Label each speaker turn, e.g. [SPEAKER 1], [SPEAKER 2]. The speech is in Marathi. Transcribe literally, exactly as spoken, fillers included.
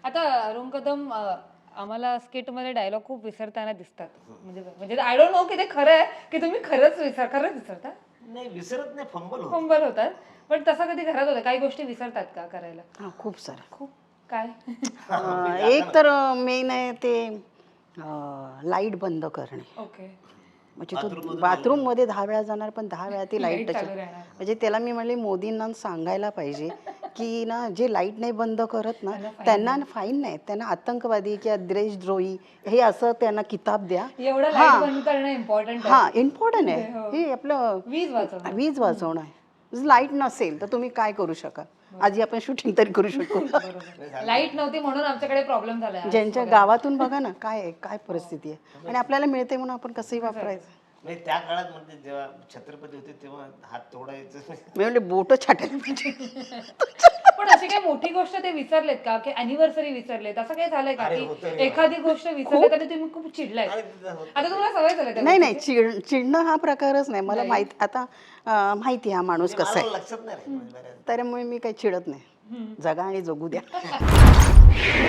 [SPEAKER 1] आता अरुण कदम अ, आम्हाला स्किटमध्ये डायलॉग खूप विसरताना दिसतात. म्हणजे म्हणजे आय डोंट नो की ते खरं आहे की तुम्ही खरंच विसर खरंच विसरता?
[SPEAKER 2] नाही विसरत नाही, फंबल होतं.
[SPEAKER 1] फंबल होतात. पण तसं कधी घरात होतं काही गोष्टी विसरतात का करायला?
[SPEAKER 3] हां, खूप साऱ्या.
[SPEAKER 1] खूप काय?
[SPEAKER 3] अं, एक तर मेन आहे ते लाईट बंद करणे.
[SPEAKER 1] ओके.
[SPEAKER 3] म्हणजे
[SPEAKER 2] बाथरूममधून
[SPEAKER 3] तो बाथरूममध्ये दहा वेळा जाणार पण दहा वेळा ती लाईट
[SPEAKER 1] लाईट
[SPEAKER 3] टच.
[SPEAKER 1] चालू राहणार.
[SPEAKER 3] म्हणजे त्याला मी म्हणले मोदींना सांगायला पाहिजे की ना जे लाईट नाही बंद करत ना
[SPEAKER 1] त्यांना fine
[SPEAKER 3] त्यांना फाईन नाही, त्यांना आतंकवादी किंवा देशद्रोही हे असं त्यांना किताब द्या.
[SPEAKER 1] एवढं लाईट बंद करणं इम्पॉर्टंट आहे.
[SPEAKER 3] हां, इम्पॉर्टंट आहे
[SPEAKER 1] हो.
[SPEAKER 3] हे आपलं
[SPEAKER 1] वीज वाचवणं.
[SPEAKER 3] वीज वाचवणं आहे. लाईट नसेल तर तुम्ही काय करू शकाल? आधी आपण शूटिंग तरी करू शकू.
[SPEAKER 1] बरोबर. लाईट नव्हती म्हणून आमच्याकडे प्रॉब्लेम झाला आज
[SPEAKER 3] ज्यांच्या
[SPEAKER 1] बघा.
[SPEAKER 3] गावातून बघा ना काय आहे, काय परिस्थिती आहे आणि आपल्याला मिळते म्हणून आपण कसंही वापरायचं.
[SPEAKER 2] नाही त्या काळात म्हणजे जेव्हा छत्रपती होते तेव्हा हात तोडायचं.
[SPEAKER 3] मी म्हणले बोट छाटायला पाहिजे.
[SPEAKER 1] पण अशी काही मोठी गोष्ट ते विसरलेत का की अॅनिव्हर्सरी विसरलेत असं काही झालंय का
[SPEAKER 2] अरे
[SPEAKER 1] की
[SPEAKER 2] होतं रे
[SPEAKER 1] एखादी गोष्ट विसरलेत आणि तुम्ही खूप चिडलाय?
[SPEAKER 2] अरे तिथं होतं.
[SPEAKER 1] आता तुम्हाला सवय झाली त्या
[SPEAKER 3] नाही नाही
[SPEAKER 1] गोष्टीची?
[SPEAKER 3] चिड चिडणं हा प्रकारच नाही मला माहित आता अं, माहिती आहे हा माणूस
[SPEAKER 2] म्हणजे
[SPEAKER 3] कसा
[SPEAKER 2] मला
[SPEAKER 3] आहे
[SPEAKER 2] लक्षात नाही राहिलं म्हणजे बऱ्याच.
[SPEAKER 3] त्यामुळे मी काही चिडत नाही. जगा आणि जगू द्या.